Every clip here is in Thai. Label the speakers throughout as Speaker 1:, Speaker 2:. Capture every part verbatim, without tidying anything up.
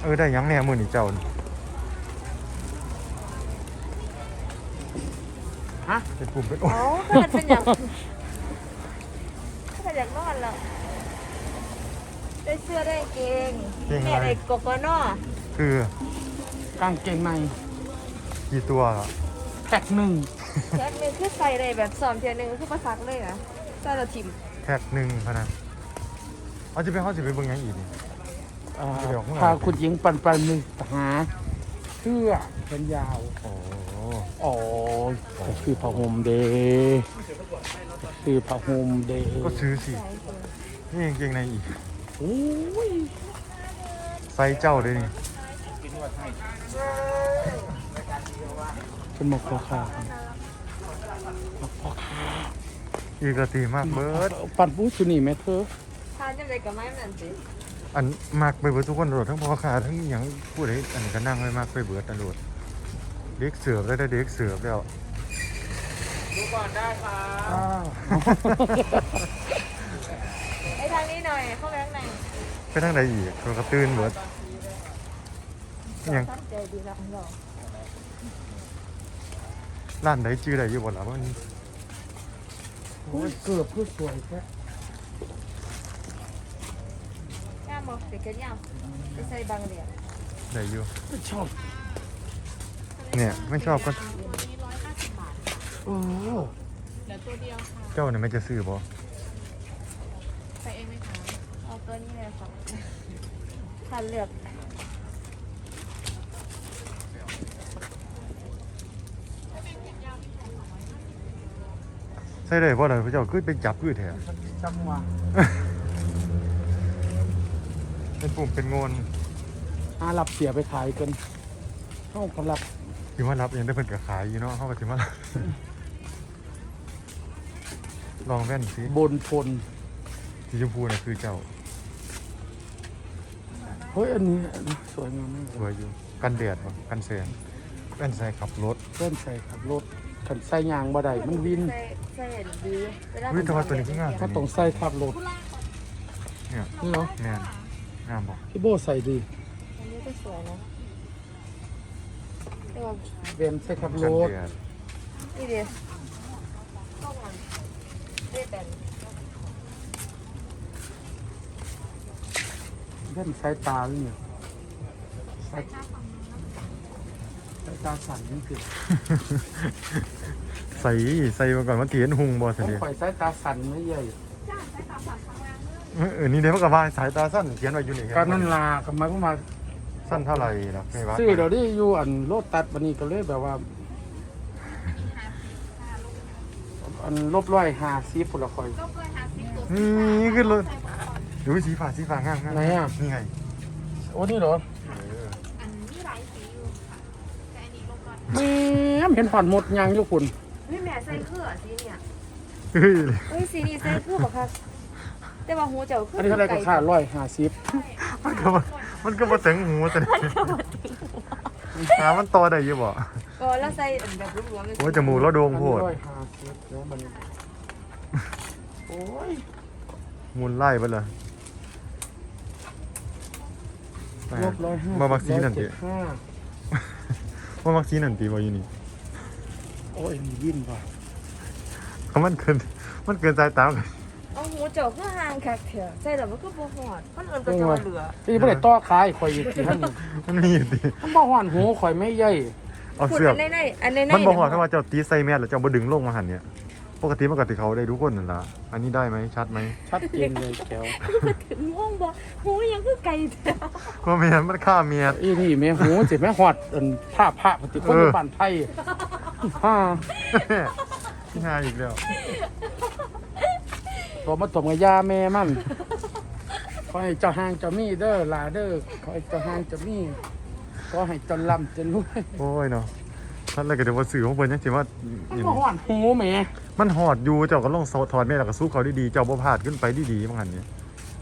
Speaker 1: อได้ยังแน่มือนี่เจ้า
Speaker 2: ฮะ
Speaker 1: เป็นปุ่มเป็น
Speaker 3: โอ้ก็มันเป็นอย่างก็เป็นอย่างนอนแล้วได้เสื้อได้เกงแม่ได้กกนอ
Speaker 1: คือก
Speaker 2: างเกงใน
Speaker 1: กี่ตัว
Speaker 2: แท็กหนึ่ง
Speaker 3: แท็กหนึ่งคือใส่ได้แบบสอมเทียนหนึ่งคือประซักเลยนะใส่ละทิม
Speaker 1: แท็กหนึ่งพนันเขาจะไปเขาจะไปเบิ่งยังอีกนี่
Speaker 2: พาคุณหญิงปันปันหนึ่งหาเสื้อเป็นยาว
Speaker 1: โอ้
Speaker 2: โอ้คือผ้าห่มเดย์คือผ้าห่มเดย์
Speaker 1: ก็ซื้อสินี่เกงในอีก
Speaker 2: โอ้ย
Speaker 1: ใส่เจ้าด้วยนี่
Speaker 2: เป็นหมกพ่อค้าหมกพ่อค้า
Speaker 1: อีกระตีมากเบิร์ด
Speaker 2: ปั่นปูชุนี่แม่เธอ
Speaker 3: ทานยังไงกับไม้เหมือนสิ
Speaker 1: อันมากไปเบิร์ดทุกคนโดดทั้งพ่อค้าทั้งอย่างพูดให้อันก็นั่งไม่มากไปเบิร์ดตลอดเด็กเสือบแล้วได้เด็กเสือบแล้ว
Speaker 2: ดูก่อนได้ค่ะ
Speaker 3: ไอ้ทางนี้หน่อยเข้าไปข้างใน
Speaker 1: ไปทางไหนอีกเขากระตื้นเบิร์ดยังร้านไหนจื้อไหนอยู่บ่ล่ะมัน
Speaker 2: เกือบเพื่อสวยแค่
Speaker 3: ย่ามบอกเด็กกันย่ามไปใส่บางเหรียญ
Speaker 1: ไหนอยู่
Speaker 2: ไม่ชอบ
Speaker 1: เนี่ยไม่ชอบก็
Speaker 2: โอ้
Speaker 3: เหลือตัวเดียวค่ะ
Speaker 1: เจ้าเนี่ยไม่จะซื้อบ่
Speaker 3: ใส่เองไหมคะเอาตัวนี้เลยค่ะคันเลือก
Speaker 1: ใช่เลยเพราะอะไรพระเจ้าคือเป็นจับคือแถว
Speaker 2: จังหวะ
Speaker 1: เป็นปุ่มเป็นงน
Speaker 2: อารับเสียไปขายกันเข้าคนรับ
Speaker 1: ถือว่ารับเองได้เพิ่นกับขายอยู่เนาะเข้ากับถือว่าลองแว่นสิ
Speaker 2: บนพล
Speaker 1: สีชมพูน่ะคือเจ้า
Speaker 2: เฮ้ยอันนี้สวยงามมาก
Speaker 1: สวยอยู่กันแดดกันแสงแว่นใส่ขับรถ
Speaker 2: แว่นใส่ขับรถขันใส่ยางบ่ได้มันวิน
Speaker 3: ใส่ดี
Speaker 1: วินแต่ว่าตัวนี้ก็งาม
Speaker 2: ถ้าต้องใส่ขับรถ
Speaker 1: เนี่ย
Speaker 2: นี่เหรอ
Speaker 1: แน่นงามบอก
Speaker 2: พี่โบใส่ดี
Speaker 3: อันนี้ก็สวยนะ
Speaker 2: เว่นใส่ขับรถ
Speaker 3: นี่เดียวต้องมันเรียบเป็น
Speaker 2: เว่นใส่ตาเลยเนี่ยใส่ตาสั่นนี่คือ
Speaker 1: ใส่ใส่มาก่อนมันเถียนหุงบอส
Speaker 2: เดียวใส่ตาสั่นไม่ใหญ่
Speaker 1: เออนี่เดี๋ยวมันก็ว่าสายตาสั้นเขียนไว้อยู่นี่
Speaker 2: ก็นั่นลาก็มาก็มา
Speaker 1: สั้นเท่าไหร่ล่ะไม่ว่า
Speaker 2: ซื้อเดี๋ยวนี้อยู่อันโลตัดวันนี้ก็เลยแบบว่าอันลบร้อยหาซีผุละคอย
Speaker 1: นี่ขึ้นรถดูสีฟ้าสีฟ้างาม
Speaker 2: ไหนอ่ะ
Speaker 1: นี่ไง
Speaker 2: โอ้นี่เหรอแม่เห็นผ่อนหมดยังอยู่คุณ
Speaker 3: นี่แม่ใส่เครื่องสีเนี่ย
Speaker 1: เฮ้ย
Speaker 3: เฮ้ยสีนี้ใส่เครื่องบอกค่ะแต่ว่าหูเจ้าคือ
Speaker 2: อันนี้เท่าไรก็ค่าร้อยห้าสิบ
Speaker 1: มันก็มันก็มาถึงหูแต่หามันต่อได้ยังบ่
Speaker 3: ก็แล้วใส่แบบรวมๆ
Speaker 1: โอ้ยจมูกแล้วโด่งโพด
Speaker 2: โอ้ย
Speaker 1: มุนไล่ไปเลยมาบักซีนั่นตีมาบักซีนั่นตีว่าอยู่นี่
Speaker 2: โอ้ยมีวิ่นป่ะ
Speaker 1: เขามันเกินมันเกินใจตามเลย
Speaker 3: เอาหูเจาะเพื่อห่างแขกเถอะใส่แล้วมันก็บ่หอดมันเอิญก็จะเหลือ
Speaker 2: ที่ไม่ได้ต่อขายข่อยอีกทีท่าน
Speaker 1: มันมีดิ
Speaker 2: มันบ่หอดหูข่อยไม่ใหญ่
Speaker 1: เอาเสื้อ
Speaker 3: ในในอันในใน
Speaker 1: มันบ่หอดถ้าว่าเจ้าตีใส่แมสหรือเจ้าบ่ดึงลงมาหันเนี่ยปกติปกติเขาได้ทุกคนนั่นละอันนี้ได้ไหมชัดไหม
Speaker 2: ชัดเจนเลยแก้ว
Speaker 3: ถึงม่วงบ่หูยังคือไก่เถอะ
Speaker 1: ก็เมียมันฆ่าเมีย
Speaker 2: อีนี่แม่หูจิแม่หอดผ้าผ้าปฏิคนบ้านไทยฮ่า
Speaker 1: ที่หาอีกแล้ว
Speaker 2: ตัวมาตบกับยาแม่มันขอให้เจ้าห้างเจ้ามีเด้อลาเด้อขอให้เจ้าห้างเจ้ามีขอให้จนลำจนรวย
Speaker 1: โอ้ยเนาะท่านอะไรก็เดี๋ยวว่าสื่อของเพิ่นยังสิว่า
Speaker 2: มันหอดหูแม่
Speaker 1: มันหอดอยู่เจ้าก็ลองถอดแม่แล้วก็สู้เขาดีๆเจ้าบ่พลาดขึ้นไปดีๆบางหันเนี่ย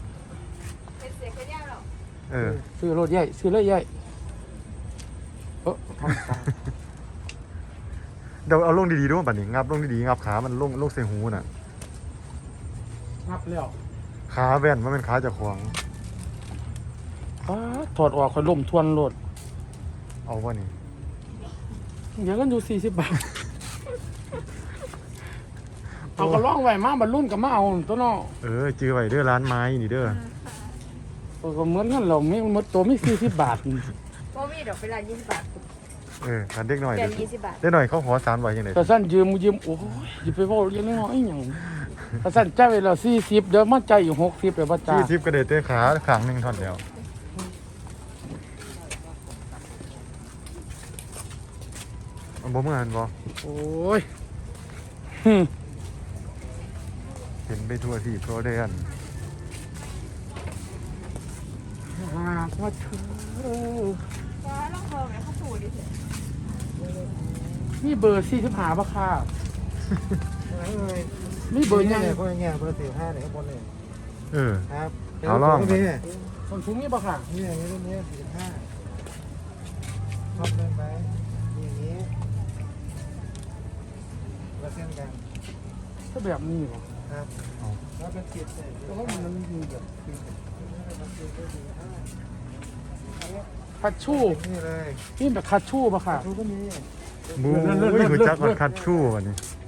Speaker 1: เออ
Speaker 2: ซื้อรถใหญ่ซื้อรถใหญ่เออทำตา
Speaker 1: เดี๋ยวเอาลงดีๆด้วยป่ะนี่งับลงดีๆงับขามันลงลงใส่หูน่ะ
Speaker 2: งับแล้ว
Speaker 1: ขาแว่นมันเป็นขาจากขวาง
Speaker 2: ป๊าดถอดออกค่อยล่มทวนโลด
Speaker 1: เอาวะนี่
Speaker 2: เดี๋ยวกันอยู่สี่สิบบาท เอาก็ล่องไว้มาบรรลุนก็มาเอาตัวเนาะ
Speaker 1: เออจื้อไว้เด้อร้านไม้นี่เด้อ
Speaker 2: เออก็เหมือนกันเราไม่หมดตัวไม่สี่สิบบาท
Speaker 3: ก็มีดอกเวลายี่สิบบาท
Speaker 1: เออคันเด็กหน่อย
Speaker 3: เดื
Speaker 1: เด้
Speaker 3: อน
Speaker 1: อ
Speaker 3: ยี่สิบบาท
Speaker 1: เด็กหน่อยเขาขอสามร้อยยังไง
Speaker 2: แต่สั้นยืมยืมโอ้ยอย่าไปบอกเรื่องน้อยๆอย่างแต่สั้นจ่ายไปแล้วสี่สิบเดี๋ยวมาจ่ายอยู่หกสิบเดี๋ยวมาจ่า
Speaker 1: ที่
Speaker 2: ย
Speaker 1: ทิปกระเด็ดเตะขาขางหนึ่งท่อนเดียวเอาบ่เมื่อหันบ่
Speaker 2: โอ้ย
Speaker 1: เห็นไปทั่วที่โปรเดน
Speaker 2: หากว่าเธอ
Speaker 3: ว้าลองเพิ่มไหมข้าวสูดิเถอะ
Speaker 2: นี่เบอร์สี่สิบห้าป่ะค่ะนี่เบอร์ยัง
Speaker 4: เนี่ยพวกเงี้ยเบอร์สี่ห้าเนี่ยข้างบนเนี่ย
Speaker 1: เออ
Speaker 4: ครับ
Speaker 1: เอาลอง
Speaker 4: นี่
Speaker 2: คนสูงนี่ป่ะค่ะ
Speaker 4: นี่อย่างนี้รุ่นนี้สี่ห้าชอบเล่นไหมอย่างนี้แล้วเส้นกัน
Speaker 2: ก็แบบนี้เหรอ
Speaker 4: ครับแล้วเป็นจิตเนี่ย
Speaker 2: แต่ว่ามันมีแบบ
Speaker 4: มันจิตก็สี่ห้า
Speaker 2: คัชชู
Speaker 4: นี่เลย
Speaker 2: นี่แบบคัชชูป่ะค่ะ
Speaker 4: ทุกก็มี
Speaker 1: บูยคือจักมันคัดชู่วันนี้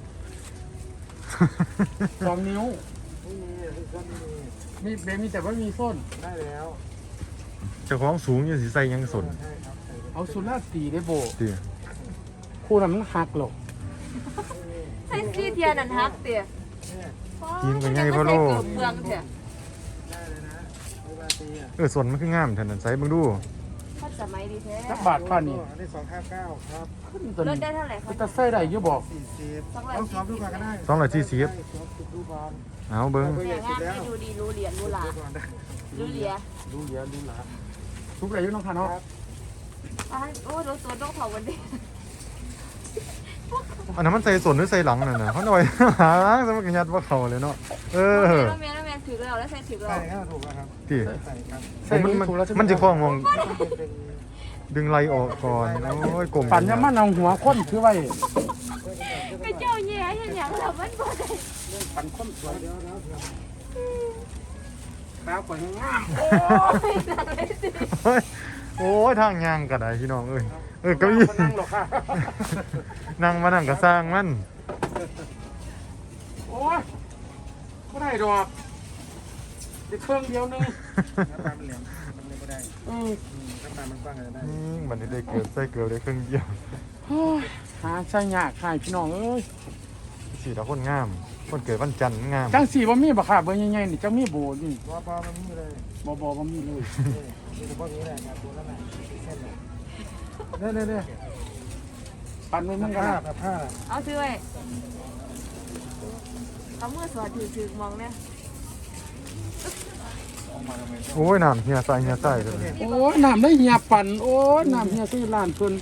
Speaker 2: สองนิ้ว
Speaker 4: ไม่มีทุกคนไม่มี
Speaker 2: มีเบมีแต่ว่ามีส้น
Speaker 4: ได้แล้ว
Speaker 1: เจ้าของสูงยังสิใส่ยังสน
Speaker 4: ใช่ครับใส่
Speaker 2: เอาสุราษฎร์ตีได้โบ
Speaker 1: เตี๋ย
Speaker 2: คู่นั้นมันหักหรอก
Speaker 3: ใส่ซีเทียนันฮักเตี๋ย
Speaker 4: เนี่ย
Speaker 1: กินกันไงพ่อโล
Speaker 3: เกือบเมืองเถอะ
Speaker 4: ได้เลยนะเวลาตีอ่ะ
Speaker 1: เออสนมันคืองามแทนนั้นใส่เบิ่งดู
Speaker 3: ถ้าสมัยดีแท้
Speaker 2: จักบาทค่านี่
Speaker 4: อันนี้สองห้าเก้าครับ
Speaker 2: ขึ้นตัว
Speaker 3: ลด
Speaker 2: นี้
Speaker 3: ได้เท่าไหร่คะ
Speaker 2: จะใส่ได้อยี่บอก
Speaker 4: สี่สิบต้องซ้อมดูก่อนก็ได้
Speaker 1: สองร้อยสี่สิบ
Speaker 4: ซ้อมดูก่อน
Speaker 1: เอาเบิ่ง
Speaker 3: แต่งานให้ดูดีรู้เหรียญรู้หลา
Speaker 4: ดูก่อนได้
Speaker 3: รู้เหรียญ
Speaker 2: ดูเยอะดูหลาทุกอะไรอยู่น้องค่ะเนาะ
Speaker 3: อ่ะโอ้รู้ตัวต้องเผาวันนี้
Speaker 1: อันนั้นมันใส่สนหรือใส่หลังนั่นน่ะเขาหน่อย หาล้างซะมันก็ยัดว่าเขาเลยเนาะเออ
Speaker 3: แล้วแม่แล้วแม่ถือเราแล้วใส่ถือเรา
Speaker 4: ใส่ก็ถูกแล้วครับ
Speaker 1: ที่
Speaker 4: ใส่ครับ
Speaker 2: ใส่
Speaker 1: มัน
Speaker 2: มือ
Speaker 1: มัน
Speaker 2: ถูกแล้วใช่ไหม
Speaker 1: มันจะคล้องมอง
Speaker 4: เป็น
Speaker 1: ดึงไหลออกก่อนโอ้ยกลม
Speaker 2: ปั่นยามันเอาหัวค้นถือไว้
Speaker 3: ไปเจ้าแย่ยังอย่างเรามันบ่ได้
Speaker 2: ปั่นค้นสวย
Speaker 4: เดี๋ยวแล้ว
Speaker 2: ขาวกว่าง่าม
Speaker 3: โอ้ยนั่งเลยสิ
Speaker 1: เฮ้ยโอ้ยทางยางก็ได้พี่น้องเอ้ยเออเก้า
Speaker 2: ก็
Speaker 1: อี้
Speaker 2: ยี่นั่งหรอกค่ะ
Speaker 1: นั่งมานั่งก็สร้างมัน
Speaker 2: โอ้ยก็ได้ดอกเดี๋ยวเครื่องเดียวนึง
Speaker 4: น้ำตาลมันเหลี่ยมมันเลยไม่ได้
Speaker 2: อืม
Speaker 4: น้ำตาลมันกว้างเลยได้
Speaker 1: นี่มันได้เกิดใส่เกลือได้ครึ่งเดียว
Speaker 2: โอ้ยหาใช่ยากค่ะพี่น้องเอ้ย
Speaker 1: สีดาคนงาม คนเกิดวันจันทร์งาม
Speaker 2: จังสีบ่มีบ่ค่ะเบอร์ใหญ่ๆนี่จังมีโบนี่
Speaker 4: วอปอมันนี่เลย
Speaker 2: บ่บ่บ่มีเลย
Speaker 4: นี่คือพวกนี้แหละครับตัวนั้นแหละเส้นเลยเนี่ยเนี่ยเนี่ย
Speaker 2: ปั่นไว้มันก็
Speaker 4: ผ้า
Speaker 2: ได้
Speaker 4: แบบผ้า
Speaker 3: เอาซื้อไว้เอามือสอดถือถือมองเนี่ย
Speaker 1: โอ้ยน้ำเฮียใส่เฮียใส่เลย
Speaker 2: โอ้ยน้ำได้เหียปั่นโอ้ยน้ำเหียซื้อร้านเพิ่น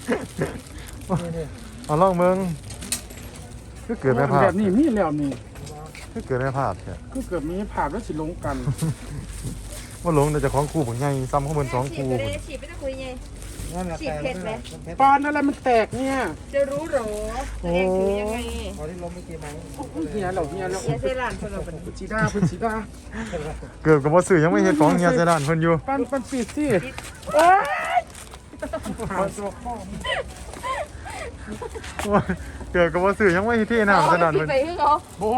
Speaker 1: เอาลองเมืองคือเกิดไม่พลา
Speaker 2: แบ
Speaker 1: ด
Speaker 2: บนี้มีแล้วนี่
Speaker 1: คือเกิดไม่พลาดแค่
Speaker 2: คือเกิดมีภาพแล้วสิลงกัน
Speaker 1: ว่าหลงแต่เจะของครูผมใหญ่ซ้ำข้างบนสองครู
Speaker 3: ฉีดไปเลยฉีดไม่ต้องคุยไง
Speaker 4: นั่นแหละแต่เพชร
Speaker 2: ปานอะไรมันแตกเนี่ย
Speaker 3: จะรู้หรอแสดงถือยังไง
Speaker 4: พอที่ล้มเมื่อกี้ไหม
Speaker 2: เฮียเราเฮียเรา
Speaker 3: อย่าเซรันคนเราเป็น
Speaker 2: พุชิดาพุชิดา
Speaker 1: เกิดกับว่าสื่อยังไม่เห็นของเฮียเสยดานเพิ่นอยู่
Speaker 2: ปันปันปิดสิโอ้ยหาตัวข้อ
Speaker 1: โอ้ยเกิดกับว่าสื่อยังไม่เห็นที่น้ำเสยดาน
Speaker 3: ผิด
Speaker 1: เพิ่น
Speaker 3: ไปคือเขา
Speaker 2: โบ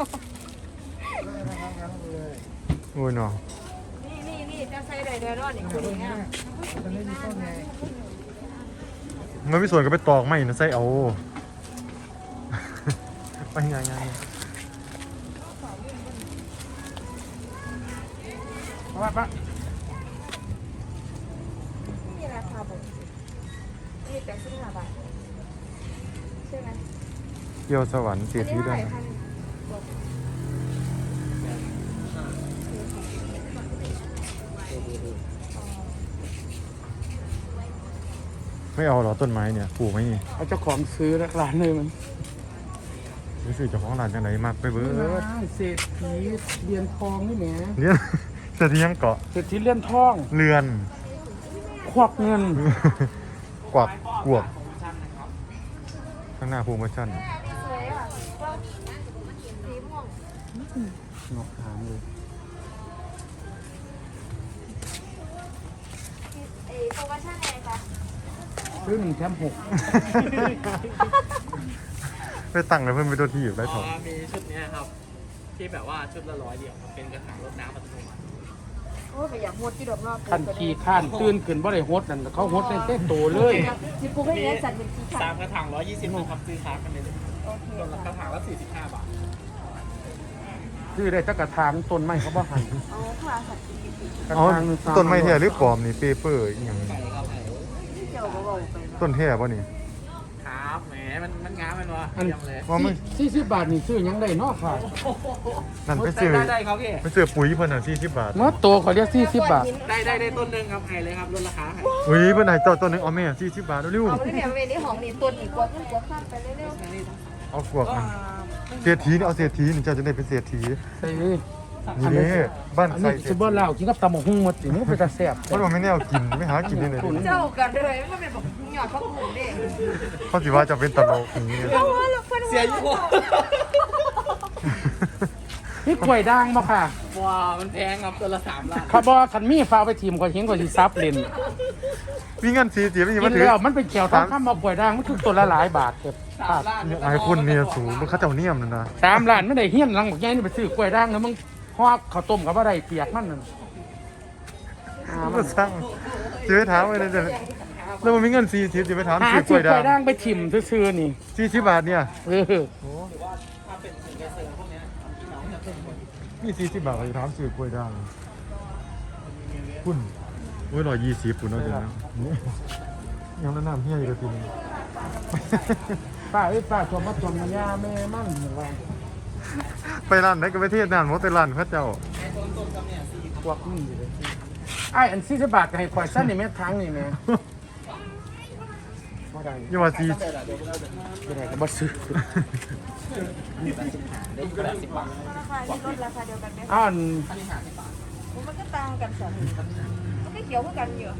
Speaker 1: โอ้ยเนาะ
Speaker 3: นี่นี่นี่จะใส่ได้เดือดร้อนอีกคนนึงอ่ะ
Speaker 4: ตอนนี้มีต้นไง
Speaker 1: มันไม่ส่วนก็ไปตอกไม่นะใส่เอา ไปยังไง
Speaker 2: มาปะ
Speaker 3: นี่ราคาแบบนี่แปดสิบห้าบาทใช่ไหม
Speaker 1: เกี่ยวสวรรค์เสียทีด้วย ไม่เอาเหรอต้นไม้เนี่ยปลูกไหมนี่
Speaker 2: เอาเจ้าของซื้อร้านเลยมัน
Speaker 1: รู้สึกเจ้าของร้านจังไหนมากไปเบิด
Speaker 2: เศรษฐีเรียนทองนี่แหม
Speaker 1: เนี่ยเสร็จยังเกาะ
Speaker 2: เศรษฐีเรียนทอง
Speaker 1: เรือน
Speaker 2: ควักเงิน
Speaker 1: กวักกวกข้างหน้าภูมิชัน
Speaker 3: สวยอ่ะสีม่วง
Speaker 2: นกหางเลย
Speaker 3: โปรโมชั่นอะไรคะ
Speaker 2: ซื้อหนึ่งแถมหก
Speaker 1: ไปตั้งเลยเพิ่นไปตัวที่อยู่ได้
Speaker 5: อ๋
Speaker 1: ถ
Speaker 5: อ
Speaker 1: อด
Speaker 5: มีชุดเนี้ยครับ ที่แบบว่าชุดละร้อยเดียวครับเป็นกระถางรดน้ำอัตโนมัติ
Speaker 3: โอ้ยไปอยากหมดที่ดอกนอก
Speaker 2: คันขี้ข้านตื่นขึ้นบ่ได้ฮดนั่นเขาฮดในเต้นโตเลย
Speaker 3: สิปูให้เลี้ยงสัตว์เป็นขี้ขา
Speaker 5: สามกระถางร้อยยี่สิบครับซื้อค้ากันเลย
Speaker 3: โอเค
Speaker 5: ตัวละกระถางละสี่สิบห้าบาท
Speaker 2: ซื้อได้จักกระถางต้นไม้เขาบ่หัน
Speaker 3: เอาค่ะสัตว์
Speaker 2: กระ
Speaker 1: อ๋อ
Speaker 2: ถางหงสา
Speaker 1: ต้นไม้แท้หรือปลอมนี่เปเปอร์อีหยัง
Speaker 5: ไก่ครับไก่
Speaker 3: เจ้าก็บอกไป
Speaker 1: ต้นแท้บ่นี่
Speaker 5: ครับแหมมันมันงามมันวะ
Speaker 2: อัน
Speaker 5: เยี่ยมเลย
Speaker 1: ว่ามัน
Speaker 2: สี่สิบบาทนี่ซื้อหยังได้เนาะค่ะ
Speaker 1: นั่นไปซื้อ
Speaker 5: ได้ได้ครับพี่
Speaker 1: ไปซื้อปุ๋ยเพิ่นน่ะสี่สิบบาท
Speaker 2: เมื่อตัวเขาเรียกสี่สิบบาท
Speaker 5: ได้ได้ได้ต้นหนึ่งครับไฮเลยครับลดราคาให้
Speaker 1: อุ้ยเพิ่นให้เจ้าต้นหนึงเอาแม่สี่สิบบาทเร็ว
Speaker 3: เอาไปเนี่ยเวนี้ของนี่ตัวนี่กวดขึ้นกวดข้ามไปเร็ว
Speaker 5: อันนี้
Speaker 1: ๆเอากวกมันเศรษฐีนี่เอาเศรษฐีนี่เจ้าจะได้เป็นเศรษฐี
Speaker 2: ใส่
Speaker 1: นี่เด้บ้าน
Speaker 2: อัน
Speaker 1: ใส่
Speaker 2: นี้สิบ่เล่ากินกับตำบักหุ่งหมดสิมันก็เป็นตาแซ่บ
Speaker 1: มันบ่แม่นแนวกินไม่หากินได้เลย
Speaker 3: ๆเจ้ากันเลยไม่เป็นบอกหยอดข้าวหมูเด้
Speaker 1: เขาสิว่าจะเป็นตลกอย่างนี้
Speaker 3: เอาละเพื่อน
Speaker 5: เสียอยู่
Speaker 2: นี่กล้วยด่างบ่ค่ะ
Speaker 5: ว้ามันแพงครับตัวละสามล้าน
Speaker 2: ข้าบ่คันมีฟ้ากไปทีมก็เห็นก็สิซับเล่น
Speaker 1: มีเงินสี่สิบไม่
Speaker 2: กิ
Speaker 1: มาน ถือ
Speaker 2: แล้วมันเป็นแก้วทองคำบ่กล้วยด่างมันคือตัวละหลายบาทเก็บ
Speaker 5: สามล้าน
Speaker 1: ไอ้คนเนี่ยสูงมันเขาเจ้าเนียมนั่นนะ
Speaker 2: สามล้านไม่ได้เฮี้ยนหลังบักใหญ่นี่ไปซื้อกล้วยด่างแล้วมึงฮอกข้าวต้มกับบ่ได้เปียกมันนั่นอ่า
Speaker 1: มั
Speaker 2: มัน
Speaker 1: นสร้างจะไปถามเลยจะแล้วมันมีเงินสี่สิบจะไปถาม
Speaker 2: หา
Speaker 1: ซื้อกล้
Speaker 2: ซื้
Speaker 1: ว
Speaker 2: อย กล้วย
Speaker 1: ด่า
Speaker 2: ด่าง งไปทิ่มซื่อๆนี่
Speaker 1: สี่สิบบาทเนี่ย
Speaker 2: เออ
Speaker 5: ถ้าเป็นสินค้าเสริมพวกเนี้ยพี่น้องจะเป็นคน
Speaker 1: มีสี่สิบบาทไปถามซื้อกล้วยด่างคุณโอ้ยร้อยยี่สิบคุณเอาจังนะยังนั่นน้ำเฮียอยู่เลยทีนึง
Speaker 2: ป้าเอ้ยป้าชมมาชมยาแม่มันว่า
Speaker 1: ไปร้านไหนก็ไปเทศนานหมดแต่ร้านพระเจ้า
Speaker 5: ไอ้ต้นต้นกับเนี่ยสี่
Speaker 2: พวกนี่อยู่เลยไอ้อันสี่สิบบาทก็ให้ข่อยสั้นนี่แม่ทางนี่แม่บ่ได้
Speaker 1: อย่าว่าสี่
Speaker 5: เดี๋ยวเดี๋ยวเราเดี๋ยว
Speaker 2: บ่ได้ก็บ่ซื้อ
Speaker 5: ได้แปดสิบบาท
Speaker 3: ราคาที่ลดราคาเดียวกันไหม
Speaker 2: อ้าวอัน
Speaker 5: อันนี้ห้าสิบบาท
Speaker 3: มันก็ต่างกันสัตว์มันก็เขียวเหมือนกันอยู่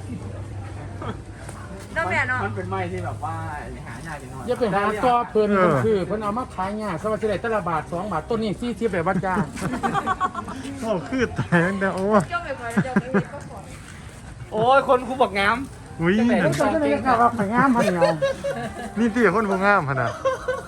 Speaker 3: น้องแม่เนาะ
Speaker 5: มันเป็นไม้ที่แบบว่าหายากนิดหน่อย
Speaker 2: อย่าไปหาตัวเพิ่นเพิ่นคือเพิ่นเอามาขายง่ายสวัสดิ์ได้แต่ละบาทสองบาทต้นนี้สี่สิบแบบว่าจ้าง
Speaker 1: เขาคือแตงแต่โอ้ย
Speaker 3: เจ้าไปคอยเจ้าไปเฮ็ดก็ขอ
Speaker 5: โอ้ยคนคูบอกงาม
Speaker 1: อุ้ย
Speaker 2: เพิ่นก็จะได้ข่าวว่าข่อยงามพันเงา
Speaker 1: นี่ตีคนผู้งามขนาด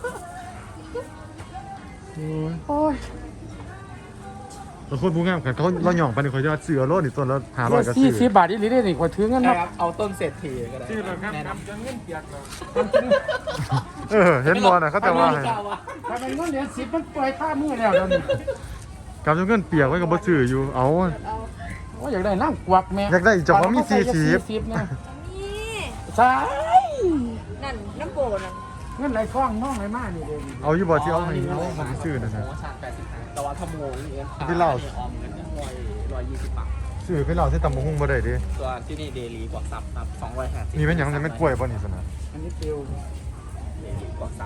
Speaker 1: โอ้ย
Speaker 2: โอ้ย
Speaker 1: แล้วคนผู้งามกันเขาเราหย่องไปนี่เขาจะเสือโลดนี่ต้นละห้าร้อยก็
Speaker 2: สี่
Speaker 1: ซื้อ
Speaker 2: สิบบาทอีหลีได้นี่ข่อยถือเงิน
Speaker 5: ใช่
Speaker 2: มา
Speaker 5: ครับเอาต้นเศรษฐีก็ได้
Speaker 2: ซื้อแล้วครับ
Speaker 5: แนะน
Speaker 2: นำจนเงินเปียกแล้ว
Speaker 1: เออเห็นบอลน่ะเขาจะว่าให้
Speaker 2: ำถ้าเป็นเงินเหรียญสิบมันปล่อยค่ามือแล้วเดี๋ยวนี้
Speaker 1: กำจนเงินเปียกไว้กับบ่ซื้ออยู่เอา
Speaker 2: โอ้ยอยากได้นั่งกวักแม่
Speaker 1: อยากได้อีกเจ้าของมีสี่สิบ
Speaker 2: สิบเนี่ย
Speaker 3: นี่
Speaker 2: ใช่
Speaker 3: นั่นน้ำโบนั่น
Speaker 2: เงินไหลคล้องน้องไหลมานี่เลย
Speaker 1: เอาอยู่บ่ที่เอาให้เอาของไปซื้อนั่นน่ะ
Speaker 5: โอ้ชาติแปดสิบห้าแต่ว่าถ้าโมงนี่
Speaker 1: ที่เล่า
Speaker 5: ออมเงินร้อยร้อยยี่สิบบาท
Speaker 1: ซื้อไปเหล่าที่ตำบักหุ่งบ่ได้เด้
Speaker 5: ตัวที่นี่เดลีกว่าซับครับสองร้อยห้าสิบ
Speaker 1: มีเป็นหยังจะไม่กล้วยบ่นี่ซั่นน่ะ
Speaker 2: อันนี้เตียว
Speaker 5: เดลีกว่าซับ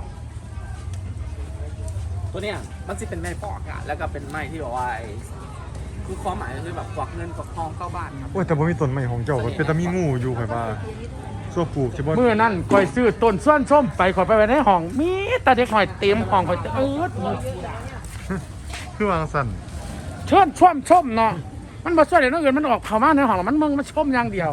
Speaker 5: ตัวเนี้ยมันจะเป็นไม้ปอกอะแล้วก็เป็นไม้ที่แบบว่าไอ้คือความหมายก็คือแบบกวักเงินกวักทองเข้าบ้านครับ
Speaker 1: โอ้ยแต่บ่มีต้นไม้ของเจ้าก็เป็นตามีงูอยู่ข่อยว่าซัวปลูกใช่บ่
Speaker 2: เมื่อนั้นข่อยซื้อต้นส้วนส้มไปข่อยไปไว้ในห้องมีแต่เด็กหอยเต็มห้องข่อยเอิด
Speaker 1: คือวางสั่น
Speaker 2: เชิญช่วมส้มเนาะมันบ่ช่วยเดี๋ยวน้องอื่นมันออกเข้ามาในห้องแล้วมันมึงมันชมอย่างเดียว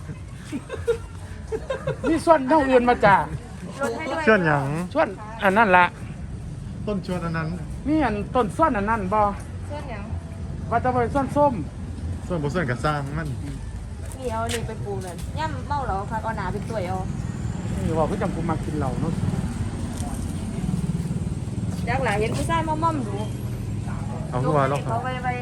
Speaker 2: มีส่วนน้องอื่นมาจ้า
Speaker 3: ลดให้ด้วย
Speaker 1: เชื่อนหยัง
Speaker 2: ส่วนอันนั้นละ
Speaker 1: ต้นชวนอันนั้น
Speaker 2: มีอันต้นส่วนอันนั้นบ่
Speaker 3: เสื้อหยัง
Speaker 2: ว่าจะไปส่วนส้ม
Speaker 1: ส่วนบ่ส่วนก็สร้างมัน
Speaker 3: นี่เอานี่ไปปูนั่นย่ำเมาเหรอค่ะเอาหนาเป็นตัวยเอา
Speaker 2: นี่บอกพี่จำกูมากินเหล้าเนาะ
Speaker 3: ดักหลายเห็นผู้ชายม่อมๆดู
Speaker 1: เอาคือว่าเรา
Speaker 3: เขาไปไป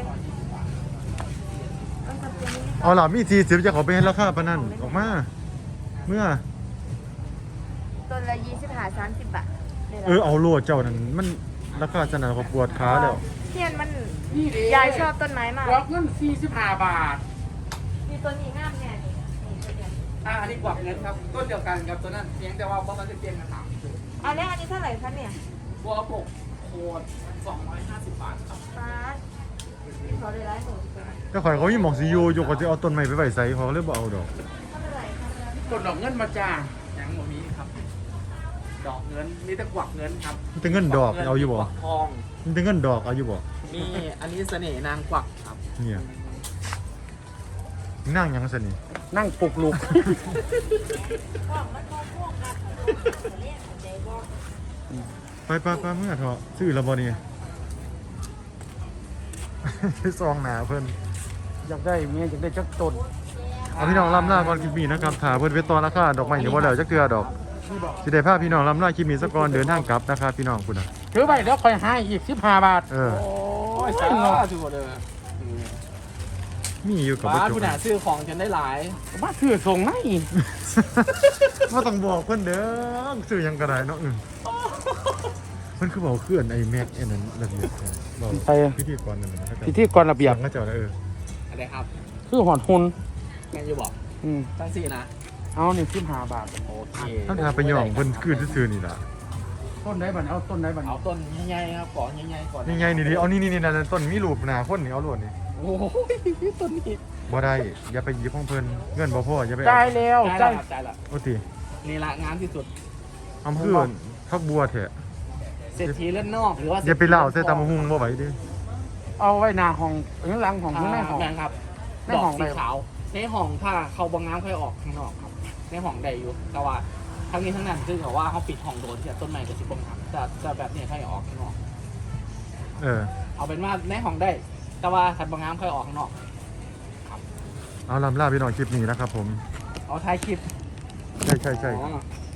Speaker 3: ต้องทำเป็นนี้
Speaker 1: เอาล่ะมีสี่สิบจะขอไปให้ราคาปานนั้นออกมา เมื่อ
Speaker 3: ต้นละยี่สิบห้าสามสิบบาท
Speaker 1: เออเอาโลดเจ้านั่นมันราคาจะน่าเขาปวดขาแล้ว
Speaker 3: เทียนมัน
Speaker 2: นี่เด้
Speaker 3: ยายชอบต้นไม้มาก
Speaker 2: กวักเงินสี่สิบห้าบาท
Speaker 3: มีต้นนี้งามเนี่ยนี่นี่ต้นเนี่ย
Speaker 5: อ่าอันนี้กวักเงินครับต้นเดียวกันครับตัวนั้นเพียงแต่ว่าบล็อกมันจะเปลี่ยนกันถาม
Speaker 3: อันนี้อันนี้เท่าไหร่คะเนี่ย
Speaker 5: บัวปกโคตรสองร้อยห้าสิบบาทครับ
Speaker 3: ฟ้าขอเลยร้อยหนึ่ง
Speaker 1: แต่ข่อยเขามีหมองสิอยู่อยู่ก็จะเอาต้นไม้ไปไว้ใส่เขาเลยบ่เอาดอก
Speaker 3: เท่าไหร่คะ
Speaker 2: ต้นดอกเงินมาจ้า
Speaker 5: ยังบ่มีครับ ดอกเงินมีแต่กวักเงินครับ
Speaker 1: มันจะเงินดอกเอาอยู่บ่
Speaker 5: กวักทอง
Speaker 1: มันจะเงินดอกเอาอยู่บ่
Speaker 5: มีอันนี้เสน่ห์นางกวักครับ
Speaker 1: เนี่ยนั่งยังสนิ
Speaker 2: นั่งปลุกลูก
Speaker 1: ไปไปไปเมื่อเถอะซื้อและบ่นี่ ซองหนาเพิ่น
Speaker 2: อยากได้เมียอยากได้จักต้น
Speaker 1: เอาพี่น้องลำลาก่อนคลิปนี้นะครับถ่าเพิ่นเวทตอนราคาดอกไม้เดี๋ยวบ่แล้วจักเทื่อดอกสิได้พาพี่น้องลำลาคลิปนี้ซะก่อนเดินทางกลับนะครับพี่น้องคุณน่ะ
Speaker 2: ถือไปแล้วค่อยให้อีกสิบห้าบาท
Speaker 1: เออ
Speaker 5: โอ้ยสาธุเลย
Speaker 1: มีอยู่กับ
Speaker 5: บ้า
Speaker 1: บ่
Speaker 5: น
Speaker 1: จบ
Speaker 5: ผู้หนาซื้อของจนได้หลาย
Speaker 2: มาถือส่งให้
Speaker 1: บ่ต้องบอกเพิ่นเด้อซื้อหยังก็ได้เนาะอือเพิ่นคือบอกเคลื่อนไอ้แม็กไอ้นั้นระเบียบแท้บอก
Speaker 2: ไป
Speaker 1: พิธีกรนั่นน่ะเขาจะ
Speaker 2: พิธีกรระเบียบ
Speaker 1: ก็เจ้าน่ะเออ
Speaker 5: อะไรครับ
Speaker 2: คือหอนหุน
Speaker 5: แมนยูบอก
Speaker 2: อืม
Speaker 5: ตั้งสี่นะ
Speaker 2: เอานี่สิบห้าบาท
Speaker 5: โอเค
Speaker 1: ท่านทาไปย่องเพิ่นคือซื่อๆนี่ล่ะ
Speaker 2: ต้นไหนบันเอาต้นไหนบัน
Speaker 5: เอาต้นใหญ่ๆครับก่อนใหญ่ๆก่อน
Speaker 1: นี่ไงนี่ดิเอานี่นี่นี่นั่นต้นมีรูปหน้าคนนี่เอาโลดนี่
Speaker 5: โอ้ยต้นนี้
Speaker 1: บ่ได้อย่าไปหยิบของเพิ่นเงินบ่พออย่าไป
Speaker 2: จ่ายแล้ว
Speaker 5: ใจ
Speaker 2: จ่าย
Speaker 5: ละใจละ
Speaker 1: โอ้ติ
Speaker 5: นี่ละงานที่สุด
Speaker 1: อำเภอพักบัวแท้
Speaker 5: เศรษฐีเล่นนอกหรือว่า
Speaker 1: อย่าไปเล่าใส่ตามะฮุงบ่ไหวเด้
Speaker 2: เอาไว้หน้าห้องข้างหลังของ
Speaker 5: อ่า
Speaker 2: ข้างในห้อง
Speaker 5: แมนครับ
Speaker 2: ใน
Speaker 5: ดอก
Speaker 2: ห้อง
Speaker 5: สี
Speaker 2: ใด
Speaker 5: ขาวในห้องถ้าเขาบางน้ำค่อยออกข้างนอกครับในห้องใดอยู่แต่ว่าทั้งนี้ทั้งนั้นคือเขาว่าเขาปิดห้องโดนที่ต้นไม้กับสิบปงครับแต่แต่แบบนี้ค่อยออกข้างนอก
Speaker 1: เออ
Speaker 5: เอาเป็นว่าในห้องได้ แต่ว่าขัดบางน้ำค่อยออกข้างนอก
Speaker 1: เอาลำลาพี่น้องคลิปนี้นะครับผม
Speaker 5: เอาท้ายคลิป
Speaker 1: ใช่ใช่ใช่
Speaker 5: อ๋อ